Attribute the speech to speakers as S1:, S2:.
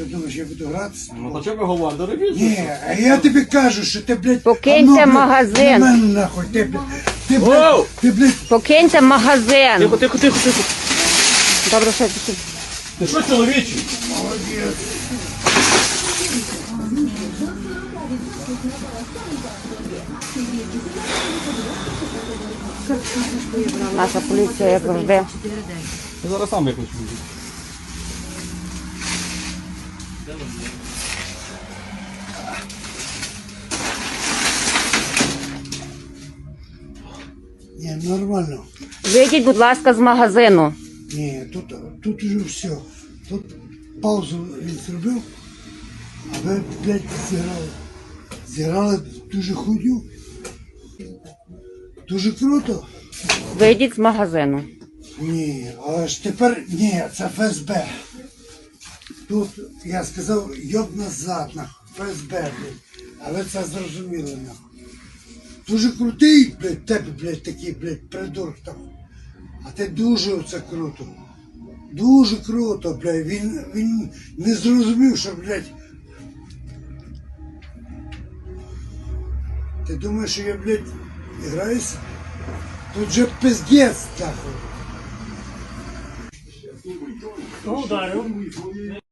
S1: Що думаєш, я буду гратися?
S2: Ну то чого ви говорите? Робіть.
S1: Ні, а я тобі кажу, що ти, блядь...
S3: Покиньте
S1: блядь,
S3: магазин.
S1: на мене нахуй, ти, блядь,
S2: Воу!
S1: ти, блядь,
S3: Покиньте магазин.
S2: Тихо, тихо, тихо, тихо.
S3: Добре, що ти?
S2: Ти що, чоловічий?
S1: молодець.
S3: Наша поліція, як завжди.
S2: Я зараз сам виключу.
S1: Ні, нормально.
S3: Вийдіть, будь ласка, з магазину.
S1: Ні, тут уже все. Тут паузу він зробив, а ви, блядь, зіграли. Зіграли дуже худю. Дуже круто.
S3: Вийдіть з магазину.
S1: Ні, але ж тепер ні, це ФСБ. Тут я сказав, йоб назад, нахуй, ФСБ, блядь. А ви це зрозуміли, нахуй. Дуже крутий, блядь, тебе, блядь, такий, блядь, придурок там. А ти дуже оце круто. Дуже круто, блядь. Він не зрозумів, що, блядь. Ти думаєш, що я, блядь, граюся? Тут же пиздец, нахуй.
S4: Хто ударив?